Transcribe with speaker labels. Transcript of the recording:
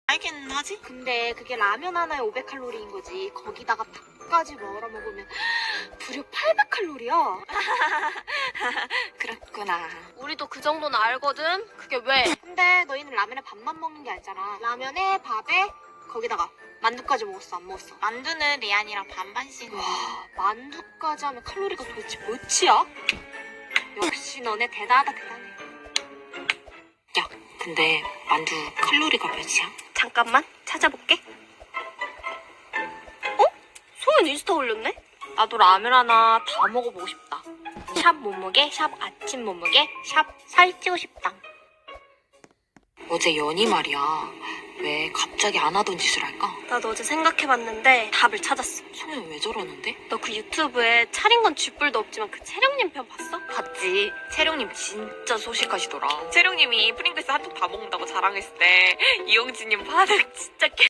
Speaker 1: 알긴 하지?
Speaker 2: 근데 그게 라면 하나에 500칼로리인 거지. 거기다가 밥까지 먹으러 먹으면 무려 800칼로리야.
Speaker 1: 그렇구나.
Speaker 2: 우리도 그 정도는 알거든. 그게 왜? 근데 너희는 라면에 밥만 먹는 게 아니잖아. 라면에 밥에 거기다가 만두까지 먹었어, 안 먹었어?
Speaker 1: 만두는 리안이랑 반반씩.
Speaker 2: 와, 만두까지 하면 칼로리가 도대체 몇이야? 역시 너네 대단하다, 대단해.
Speaker 1: 야, 근데 만두 칼로리가 몇이야?
Speaker 2: 잠깐만 찾아볼게. 어? 소연 인스타 올렸네? 나도 라면 하나 다 먹어보고 싶다. 샵 몸무게, 샵 아침 몸무게, 샵 살찌고 싶다.
Speaker 1: 어제 연희 말이야. 왜 갑자기 안 하던 짓을 할까?
Speaker 2: 나도 어제 생각해봤는데 답을 찾았어.
Speaker 1: 소연 왜 저러는데?
Speaker 2: 너 그 유튜브에 차린 건 쥐뿔도 없지만 그 채령님 편 봤어?
Speaker 1: 봤지. 채룡님 진짜 소식하시더라. 채룡님이 프링글스 한통 다 먹는다고 자랑했을 때 이용진님 반응 진짜